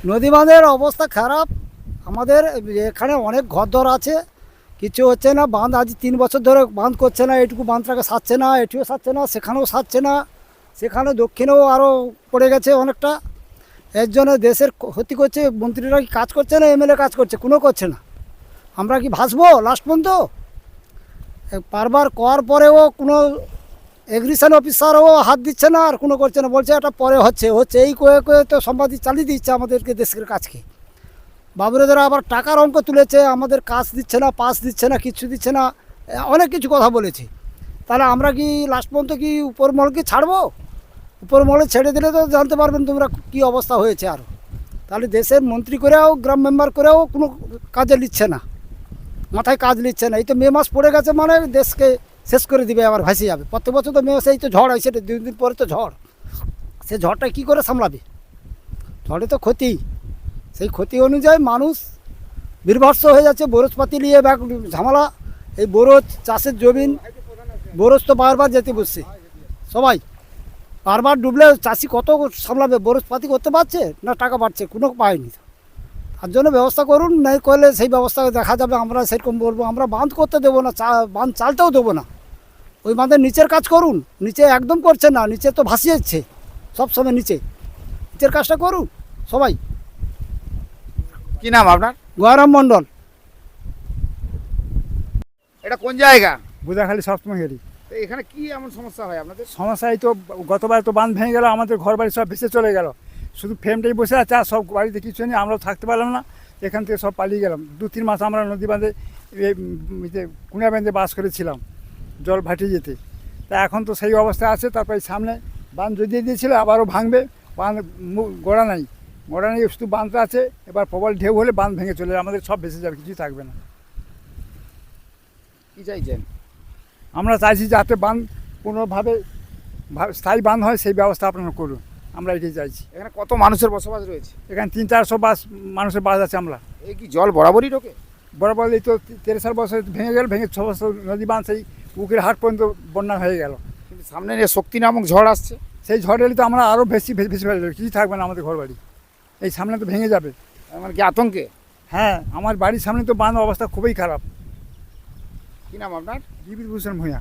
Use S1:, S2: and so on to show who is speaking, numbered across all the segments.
S1: নদী বাঁধের অবস্থা খারাপ। আমাদের এখানে অনেক ঘরদর আছে, কিছু হচ্ছে না। বাঁধ আজ 3 বছর ধরে বাঁধ করছে না, এটুকু বাঁধটাকে সারছে না, এটিও সারছে না, সেখানেও সারছে না। সেখানে দক্ষিণেও আরও পড়ে গেছে অনেকটা। এর জন্য দেশের ক্ষতি করছে। মন্ত্রীরা কি কাজ করছে না, এমএলএ কাজ করছে? কোনো করছে না। আমরা কি ভাসবো লাস্ট পর্যন্ত? বারবার করার পরেও কোনো এগ্রিকালচার অফিসারও হাত দিচ্ছে না, আর কোনো করছে না, বলছে এটা পরে হচ্ছে হচ্ছে এই কয়ে কয়ে তো সম্পাদিত চালিয়ে দিচ্ছে আমাদেরকে, দেশের কাজকে। বাবুরেদের আবার টাকার অঙ্ক তুলেছে, আমাদের কাজ দিচ্ছে না, পাস দিচ্ছে না, কিছু দিচ্ছে না, অনেক কিছু কথা বলেছে। তাহলে আমরা কি লাস্ট পর্যন্ত কি উপর মহলকে ছাড়বো? উপর মহলে ছেড়ে দিলে তো জানতে পারবেন তোমরা কি অবস্থা হয়েছে আরও। তাহলে দেশের মন্ত্রী করেও, গ্রাম মেম্বার করেও কোনো কাজে নিচ্ছে না, মাথায় কাজ নিচ্ছে না। এই তো মে মাস পড়ে গেছে মানে দেশকে শেষ করে দিবে, আবার ভাসে যাবে। প্রত্যেক বছর তো মে মাসে এই তো ঝড় হয়, সেটা 2 দিন পরে তো ঝড়। সে ঝড়টা কী করে সামলাবে? ঝড়ে তো ক্ষতি, সেই ক্ষতি অনুযায়ী মানুষ বিভৎস হয়ে যাচ্ছে। বরজপাতি নিয়ে ব্যাগ ঝামেলা। এই বরজ চাষের জমিন, বরজ তো বারবার যেতে বসছে সবাই। বারবার ডুবলে চাষি কত সামলাবে? বরজপাতি করতে পারছে না, টাকা পাচ্ছে, কোনো পায়নি। তার জন্য ব্যবস্থা করুন, নাই করলে সেই ব্যবস্থা দেখা যাবে। আমরা সেরকম বলবো, আমরা বাঁধ করতে দেবো না, বাঁধ চালতেও দেবো না। ওই বাঁধের নিচের কাজ করুন। নিচে একদম করছে না, নিচে তো ভাসিয়ে যাচ্ছে সবসময়। নিচের কাজটা করুন সবাই।
S2: কি নাম আপনার?
S1: গয়রাম মণ্ডল।
S2: এটা কোন জায়গা?
S3: বোঝাখালি সপ্তম গেলি।
S2: তো এখানে কি এমন সমস্যা হয় আপনাদের?
S3: সমস্যায় তো গতবার তো বাঁধ ভেঙে গেল, আমাদের ঘর বাড়ি সব ভেসে চলে গেল। শুধু ফ্রেমটাই বসে আছে, আর সব বাড়িতে কিছু নেই। আমরাও থাকতে পারলাম না, এখান থেকে সব পালিয়ে গেলাম। 2-3 মাস আমরা নদী বাঁধে, কুঁড়া বেঁধে বাস করেছিলাম, জল ভাটিয়ে যেতে। তা এখন তো সেই অবস্থা আছে। তারপরে সামনে বাঁধ জড়িয়ে দিয়েছিল, আবারও ভাঙবে। বাঁধ গোড়া নাই, শুধু বাঁধটা আছে। এবার প্রবল ঢেউ হলে বাঁধ ভেঙে চলে যাবে, আমাদের সব ভেসে যাবে, কিছুই থাকবে না।
S2: কি চাইছেন?
S3: আমরা চাইছি যাতে বাঁধ কোনোভাবে স্থায়ী বাঁধ হয়, সেই ব্যবস্থা আপনারা করুন, আমরা এটাই চাইছি।
S2: এখানে কত মানুষের বসবাস রয়েছে?
S3: এখানে 300-400 মানুষের বাস আছে। আমরা
S2: এই কি জল বরাবরই ঢোকে?
S3: বরাবর এই তো 13 বছর ভেঙে গেল, ভেঙে 6 বছর নদী বাঁধ সেই উকির হাট পর্যন্ত বন্যা হয়ে গেল।
S2: কিন্তু সামনে যে শক্তি নামক ঝড় আসছে,
S3: সেই ঝড় এলে তো আমরা আরও ভেসে ফেলে যাবে, কিছুই থাকবে না আমাদের ঘর বাড়ি। এই সামনে তো ভেঙে যাবে।
S2: মানে কি আতঙ্কে?
S3: হ্যাঁ, আমার বাড়ির সামনে তো বাঁধ অবস্থা খুবই খারাপ।
S2: কি নাম আপনার?
S3: বিভূতিভূষণ ভূঁইয়া।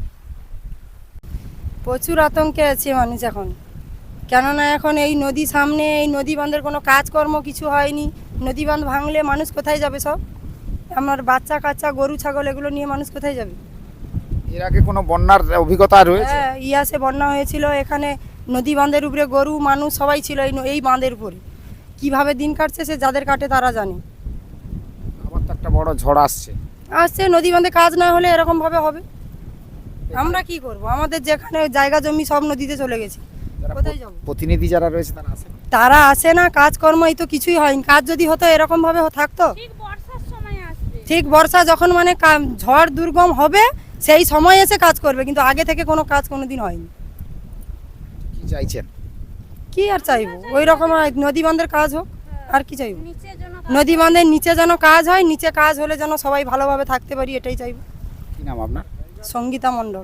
S4: প্রচুর আতঙ্কে আছে মানুষ এখন। কেননা এখন এই নদী সামনে, এই নদী বাঁধের কোনো কাজকর্ম কিছু হয়নি। নদী বাঁধ ভাঙলে মানুষ কোথায় যাবে? সব আমার বাচ্চা কাচ্চা, গরু ছাগল, এগুলো নিয়ে মানুষ কোথায় যাবে?
S2: এর আগে কোনো বন্যার অভিজ্ঞতা রয়েছে?
S4: হ্যাঁ, ইয়াসে বন্যা হয়েছিল, এখানে নদী বাঁধের উপরে গরু মানুষ সবাই ছিল এই বাঁধের উপরে। কিভাবে দিন কাটছে সে যাদের কাটে তারা জানে।
S2: আবার তো একটা বড় ঝড় আসছে।
S4: আসছে, নদী বাঁধে কাজ না হলে এরকমভাবে হবে। আমরা কি করব? আমাদের যেখানে জায়গা জমি সব নদীতে চলে গেছে,
S2: যারা
S4: কোথায় যাবো?
S2: প্রতিনিধি যারা রয়েছে তারা আসে?
S4: তারা আসে না, কাজকর্ম এই তো কিছুই হয়নি। কাজ যদি হতো এরকম ভাবে থাকতো। ঠিক বর্ষা যখন মানে ঝড় দুর্গম হবে সেই সময় এসে কাজ করবে, কিন্তু আগে থেকে কোনো কাজ কোনোদিন হয়নি।
S2: কি চাইছেন?
S4: কি আর চাইবো? ওই রকম নদী বাঁধের কাজ হোক, আর কি চাইবো? নদী বাঁধের নিচে যেন কাজ হয়, নিচে কাজ হলে যেন সবাই ভালোভাবে থাকতে পারি, এটাই চাইবো।
S2: কি নাম আপনার?
S4: সঙ্গীতা মণ্ডল।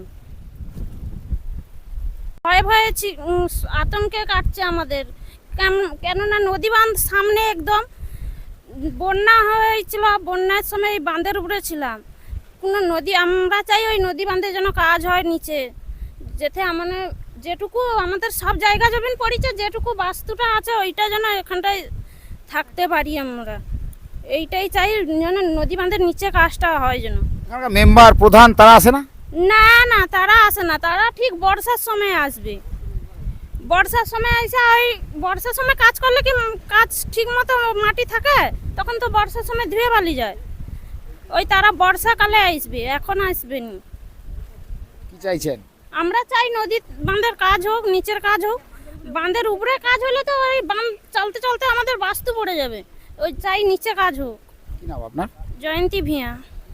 S5: ভয়ে ভয়ে আতঙ্কে কাটছে আমাদের। কেননা নদী বাঁধ সামনে একদম। বন্যা হয়েছিল, বন্যার সময় এই বাঁধের উপরে ছিলাম। কোনো নদী, আমরা চাই ওই নদী বাঁধে যেন কাজ হয় নিচে, যেতে মানে যেটুকু আমাদের সব জায়গা জমিন পড়েছে, যেটুকু বাস্তুটা আছে ওইটা যেন এখানটায় থাকতে পারি আমরা। এইটাই চাই, যেন নদী বাঁধের নিচে কাজটা হয় যেন।
S2: এখানকার মেম্বার প্রধান তারা আসে না?
S5: না না, তারা আসে না। তারা ঠিক বর্ষার সময় আসবে। বর্ষার সময় এসে ওই বর্ষার সময় কাজ করলে কি কাজ ঠিক মতো মাটি থাকে, তখন তো বর্ষার সময় ধুয়ে বালি যায়। ওই তারা বর্ষাকালে আসবে, এখন আসবে নি।
S2: কি চাইছেন?
S5: আমরা চাই নদী বাঁধের কাজ হোক, নিচের কাজ হোক। বাঁধের উপরে কাজ হলে তো ওই বাঁধ চলতে চলতে আমাদের বাস্তু পড়ে যাবে। ওই চাই নিচে কাজ হোক।
S2: কি নাম আপনার?
S5: জয়ন্তী ভিয়া।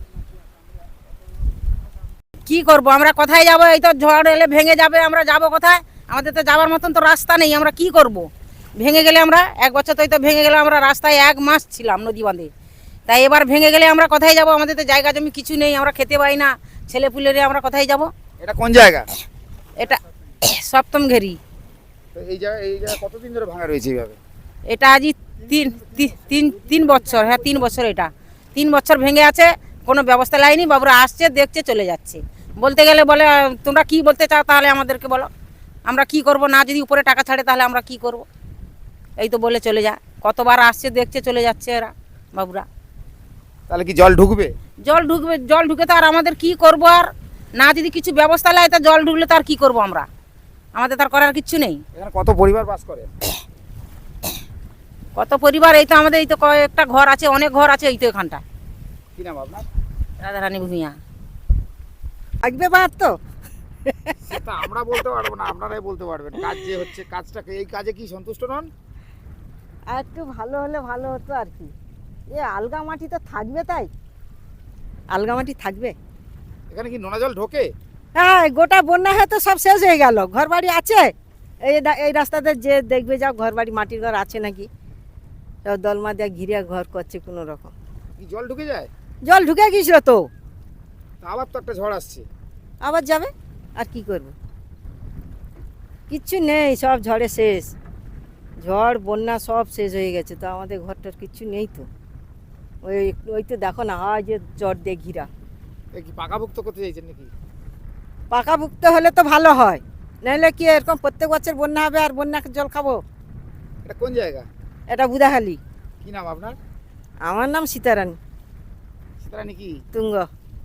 S6: কি করব? আমরা কোথায় যাব? এই তো ঝড় এলে ভেঙে যাবে, আমরা যাব কোথায়? আমাদের তো যাওয়ার মতন তো রাস্তা নেই, আমরা কি করব? ভেঙে গেলে আমরা 1 বছর তো ভেঙে গেলে, আমরা রাস্তায় 1 মাস ছিলাম নদী বাঁধে। তাই এবার ভেঙে গেলে আমরা কোথায় যাব? আমাদের তো জায়গা জমি কিছু নেই, আমরা খেতে পাই না, ছেলে পুলেরে আমরা কোথায় যাব?
S2: এটা কোন জায়গা?
S6: এটা সপ্তম ঘেরি।
S2: তো এই জায়গা কতদিন ধরে ভাঙা রয়েছে এইভাবে?
S6: এটা আজই তিন বছর, হ্যাঁ 3 বছর, এটা 3 বছর ভেঙে আছে, কোনো ব্যবস্থা লাইনি। বাবুরা আসছে, দেখছে, চলে যাচ্ছে। বলতে গেলে বলে তোমরা কি বলতে চাও তাহলে আমাদেরকে বলো, আমরা কি করব, না যদি উপরে টাকা ছাড়ে তাহলে আমরা কি করব, এই তো বলে চলে যা। কতবার আসছে, দেখছে, চলে যাচ্ছে এরা বাবুরা।
S2: তাহলে কি জল ঢুকবে?
S6: জল ঢুকে তো আর আমাদের কি করব, আর না যদি কিছু ব্যবস্থা নেয় তা জল ঢুকলে তো আর কি করব আমরা, আমাদের তার করার কিছু নেই।
S2: এখানে কত পরিবার বাস করে?
S6: কত পরিবার, এই তো আমাদের এই তো কয়েকটা ঘর আছে, অনেক ঘর আছে এই তো এখানটা।
S2: কি নাম আপনার?
S6: রাধারানী ভূঁইয়া।
S7: থাকবে বাদ তো
S2: সেটা আমরা বলতে পারবো না, আপনারাই বলতে পারবেন। কাজ যে হচ্ছে, কাজটাকে, এই কাজে কি সন্তুষ্ট নন?
S7: আর একটু ভালো হলে ভালো হতো আর কি। এ আলগা মাটি তো থাকবে, তাই আলগা মাটি থাকবে।
S2: এখানে কি নোনা জল ঢোকে?
S7: হ্যাঁ, গোটা বন্যা হয়ে তো সব শেষ হয়ে গেল। ঘর বাড়ি আছে এই রাস্তাতে, যে দেখবে যাও ঘর বাড়ি, মাটির ঘর আছে নাকি, সব দলমা দিয়ে ঘিরে ঘর করছে কোনো রকম।
S2: কি জল ঢুকে যায়?
S7: জল ঢুকে গিয়েছিল তো,
S2: তা আবার তো একটা ঝড় আসছে।
S7: আবার যাবে, আর কি করবে, কিচ্ছু নেই, সব ঝড়ে শেষ। ঝড় বন্যা সব শেষ হয়ে গেছে, তো আমাদের ঘরটার কিচ্ছু নেই তো। ওই তো দেখো না, হয় যে চট দিয়ে ঘিরা।
S2: এ কি পাকাভুক্ত করতে চাইছেন নাকি?
S7: পাকাভুক্ত হলে তো ভালো হয়, নাহলে কি এরকম প্রত্যেক বছর বন্যা হবে আর বন্যাকে জল খাবো।
S2: এটা কোন জায়গা?
S7: এটা বুধাখালি।
S2: কি নাম আপনার?
S7: আমার নাম সীতারানী
S2: সীতারানী কি?
S7: তুঙ্গ।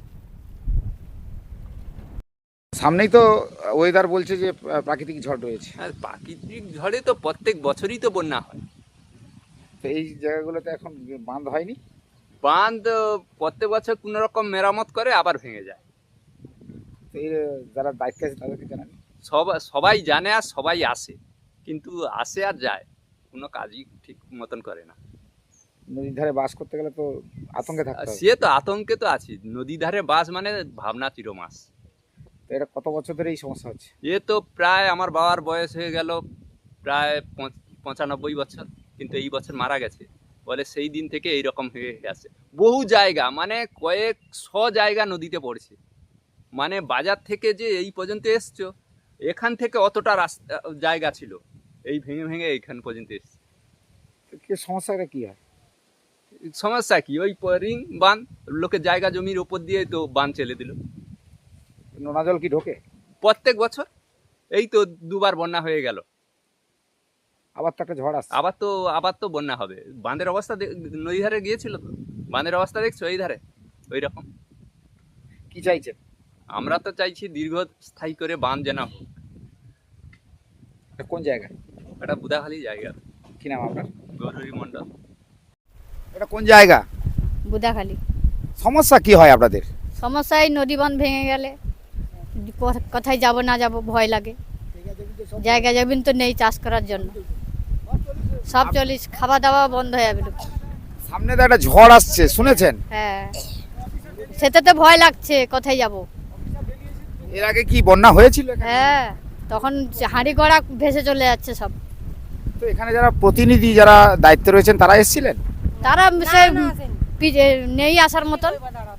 S2: সামনেই তো ওয়েদার বলছে যে প্রাকৃতিক ঝড় রয়েছে,
S8: আর প্রাকৃতিক ঝড়ে তো প্রত্যেক বছরই তো বন্যা হয়।
S2: তো এই জায়গাগুলোতে এখন বাঁধ হয়নি?
S8: বাঁধ প্রত্যেক বছর কোনো রকম মেরামত করে আবার ভেঙে যায়।
S2: তো এই যারা দায়িত্বে আছে তাদেরকে জানান।
S8: সবাই জানে আর সবাই আসে, কিন্তু আসে আর যায়, কোনো কাজই ঠিক মতন করে না।
S2: নদীর ধারে বাস করতে গেলে তো আতঙ্কে থাকতে হবে।
S8: সে তো আতঙ্কে তো আছি, নদী ধারে বাস মানে ভাবনা চিরমাস।
S2: তো এটা কত বছর ধরে এই সমস্যা হচ্ছে?
S8: এ তো প্রায় আমার বাবার বয়স হয়ে গেল প্রায় 95 বছর, কিন্তু এই বছর মারা গেছে বলে সেই দিন থেকে এইরকম হয়ে আছে। বহু জায়গা মানে কয়েকশো জায়গা নদীতে পড়ছে, মানে বাজার থেকে যে এই পর্যন্ত এসছো, এখান থেকে অতটা রাস্তা জায়গা ছিল, এই ভেঙে ভেঙে এইখান পর্যন্ত এসছে।
S2: তো কি সমস্যাটা কি হয়?
S8: সমস্যা কি, ওই রিং বাঁধ, লোকের জায়গা জমির ওপর দিয়ে তো বাঁধ চলে দিল।
S2: নোনা জল কি ঢোকে?
S8: প্রত্যেক বছর এই তো দুবার বন্যা হয়ে গেল,
S2: আবার তো একটা ঝড় আসছে।
S8: আবার তো বন্যা হবে। বাঁধের অবস্থা নদী ধারে গিয়েছিল তো, বাঁধের অবস্থা দেখছো এই ধারে ওই রকম।
S2: কি চাইছেন?
S8: আমরা তো চাইছি দীর্ঘস্থায়ী করে বাঁধ যেন হোক।
S2: এটা কোন জায়গা?
S8: এটা বুধাখালী জায়গা।
S2: কি নাম আপনার?
S8: গৌরী মণ্ডল।
S2: এটা কোন জায়গা?
S9: বুধাখালী।
S2: সমস্যা কি হয় আপনাদের?
S9: সমস্যায় নদী বাঁধ ভেঙে গেলে কোথায় যাব না যাব ভয় লাগে, জায়গা জমিন তো নেই চাষ করার জন্য, সব চলিস, খাওয়া দাওয়া বন্ধ হয়ে যাবে।
S2: সামনে তো একটা ঝড় আসছে, শুনেছেন?
S9: হ্যাঁ, সেটা তো ভয় লাগছে, কোথায় যাব।
S2: এর আগে কি বন্যা হয়েছিল এখানে?
S9: হ্যাঁ, তখন হাঁড়ি গড়া ভেসে চলে যাচ্ছে সব।
S2: তো এখানে যারা প্রতিনিধি, যারা দায়িত্বে রয়েছেন, তারা এসেছিলেন?
S9: তারা সে নেই আসার মতন,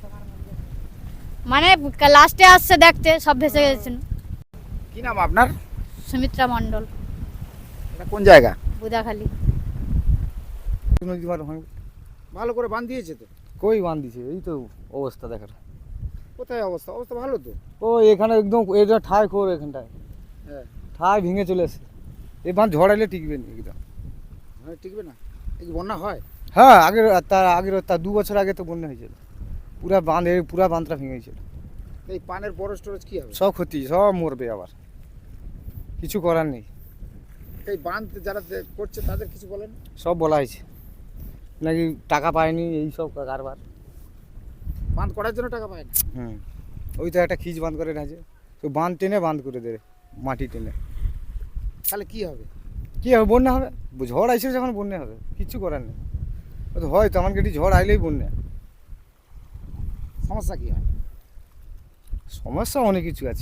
S9: মানে লাস্টে আসছে দেখতে, সব ভেসে গেছেন।
S2: কি নাম আপনার?
S9: সুমিত্রা মণ্ডল।
S2: এটা কোন জায়গা?
S9: বুধাখালী।
S2: ভালো করে বাঁধ দিয়েছে তো?
S10: কই বাঁধ দিছে, এই তো অবস্থা দেখার।
S2: কোথায় অবস্থা? অবস্থা ভালো তো।
S10: ও এখানে একদম এটা ঠায় খোর, এখানটায়
S2: হ্যাঁ,
S10: ঠায় ভেঙে চলে আসে। এই বাঁধ ঝড়াইলে টিকবে না একদম।
S2: হ্যাঁ, টিকবে না। এই কি বন্যা হয়?
S10: হ্যাঁ, তার 2 বছর আগে তো বন্যা হয়েছিল, পুরা বাঁধটা ভেঙে গেছিল।
S2: এই পানের বড় স্টোরেজ কি হবে?
S10: সব ক্ষতি, সব মরবে, আবার কিছু করার নেই।
S2: এই বাঁধ যারা করছে তাদের কিছু বলেন?
S10: সব বলা হয়েছে নাকি টাকা পায়নি, এই সব কারবার।
S2: বাঁধ করার জন্য টাকা পায় না?
S10: ওই তো একটা খিচ বাঁধ করে রাখছে, তো বাঁধ টেনে বাঁধ করে দেবে, মাটি টেনে।
S2: তাহলে কি হবে?
S10: কী হবে? বন্যা হবে। ঝড় আইসে যখন বন্যা হবে, কিচ্ছু করার নেই। ও তো হয়, তেমন কেটে ঝড় আইলেই বন্যা।
S2: সমস্যা কি হয়?
S10: সমস্যা অনেক কিছু আছে।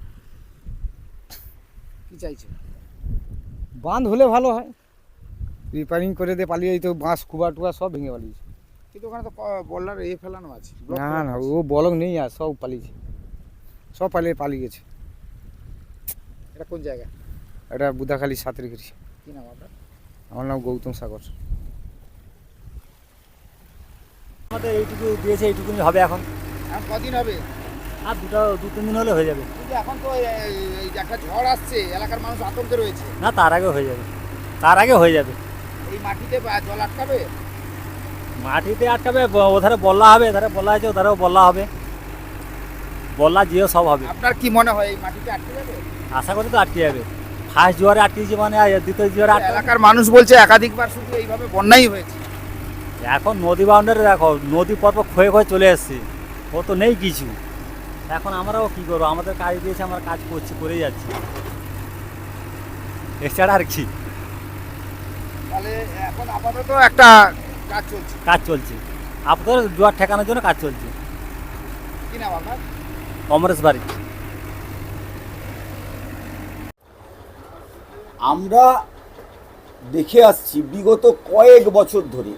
S2: কি চাইছে?
S10: বাঁধ হলে ভালো হয়, রিপেয়ারিং করে দিয়ে পালিয়ে, এই তো বাঁশ কুবা টুবা সব ভেঙে পালিয়েছে।
S2: কিন্তু ওখানে তো বল্লার ফেলানো আছে।
S10: না না, ও বলক নেই, আর সব পালিয়েছে, সব পালিয়ে গেছে।
S2: এটা কোন জায়গা?
S10: এটা বুধাখালী সাঁতরিঘাটি।
S2: কি নাম আপনার?
S10: আমার নাম গৌতম সাগর।
S1: আমাদের এইটুকু দিয়েছে, এইটুকুনি হবে এখন।
S2: এখন কদিন হবে?
S1: আর 2-3 দিন হলে হয়ে যাবে।
S2: কিন্তু এখন তো এই যে একটা ঝড় আসছে, এলাকার মানুষ আতঙ্কে রয়েছে।
S1: না, তার আগে হয়ে যাবে, তার আগে হয়ে যাবে।
S2: এই মাটিতে জল আটকাবে?
S1: মাটিতে আটকাবে, ওধারে বল্লা হবে, এধারে বল্লা আছে, ওধারেও বল্লা হবে, বল্লা জিও সব হবে।
S2: আপনার কি মনে হয় এই মাটিতে আটকে যাবে?
S1: আশা করি তো আটকে যাবে। ফার্স্ট জোয়ারে আটকেছে মানে আর দ্বিতীয় জোয়ারে আটকে।
S2: এলাকার মানুষ বলছে একাধিকবার শুধু এইভাবে বন্যাই হয়েছে।
S1: এখন নদী বাউন্ডারি দেখো, নদী পর্ব ক্ষয়ে ক্ষয়ে চলে এসছে, ও তো নেই কিছু। এখন আমরাও কি করবো, আমাদের কাজ দিয়েছে, আমরা কাজ করছি, করেই যাচ্ছি, এছাড়া আর কি।
S2: তাহলে এখন আপাতত একটা কাজ চলছে।
S1: আপাতত জোয়ার ঠেকানোর জন্য কাজ চলছে।
S2: কি নাম আপনার?
S1: অমরেশ বাড়ি।
S11: আমরা দেখে আসছি বিগত কয়েক বছর ধরে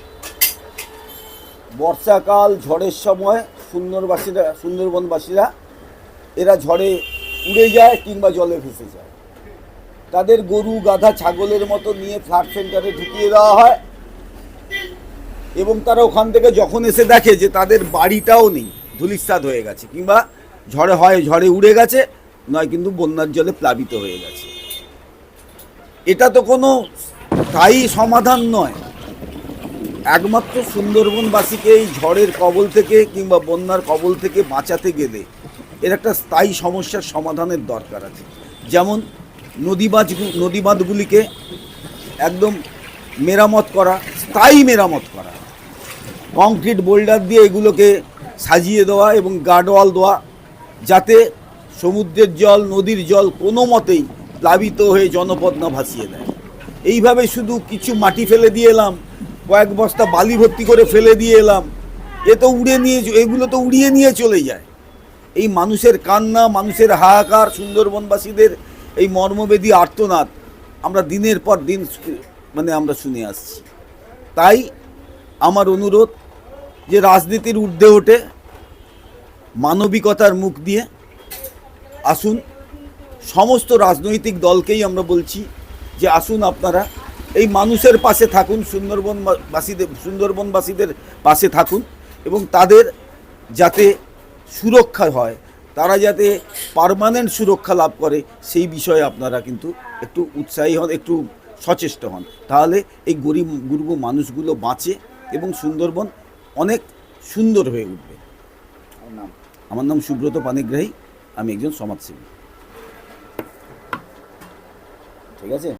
S11: বর্ষাকাল, ঝড়ের সময় সুন্দরবনবাসীরা এরা ঝড়ে উড়ে যায় কিংবা জলে ভেসে যায়। তাদের গরু, গাধা, ছাগলের মতো নিয়ে ফ্লাড সেন্টারে ঢুকিয়ে দেওয়া হয় এবং তারা ওখান থেকে যখন এসে দেখে যে তাদের বাড়িটাও নেই, ধূলিসাৎ হয়ে গেছে, কিংবা ঝড়ে উড়ে গেছে, নয় কিন্তু বন্যার জলে প্লাবিত হয়ে গেছে। এটা তো কোনো স্থায়ী সমাধান নয়। একমাত্র সুন্দরবনবাসীকে এই ঝড়ের কবল থেকে কিংবা বন্যার কবল থেকে বাঁচাতে গেলে এর একটা স্থায়ী সমস্যার সমাধানের দরকার আছে। যেমন নদী বাঁধগুলিকে একদম মেরামত করা, স্থায়ী মেরামত করা, কংক্রিট বোল্ডার দিয়ে এগুলোকে সাজিয়ে দেওয়া এবং গার্ডওয়াল দেওয়া, যাতে সমুদ্রের জল, নদীর জল কোনো মতেই প্লাবিত হয়ে জনপদ না ভাসিয়ে দেয়। এইভাবে শুধু কিছু মাটি ফেলে দিয়ে এলাম, কয়েক বস্তা বালি ভর্তি করে ফেলে দিয়ে এলাম, এগুলো তো উড়িয়ে নিয়ে চলে যায়। এই মানুষের কান্না, মানুষের হাহাকার, সুন্দরবনবাসীদের এই মর্মবেদী আর্তনাদ আমরা দিনের পর দিন আমরা শুনে আসছি। তাই আমার অনুরোধ যে রাজনীতির ঊর্ধ্বে ওঠে মানবিকতার মুখ দিয়ে আসুন। সমস্ত রাজনৈতিক দলকেই আমরা বলছি যে আসুন, আপনারা এই মানুষের পাশে থাকুন, সুন্দরবনবাসীদের পাশে থাকুন এবং তাদের যাতে সুরক্ষা হয়, তারা যাতে পার্মানেন্ট সুরক্ষা লাভ করে, সেই বিষয়ে আপনারা কিন্তু একটু উৎসাহী হন, একটু সচেষ্ট হন। তাহলে এই গরিব মানুষগুলো বাঁচে এবং সুন্দরবন অনেক সুন্দর হয়ে উঠবে। আমার নাম সুব্রত পানিগ্রাহী, আমি একজন সমাজসেবী। ঠিক আছে।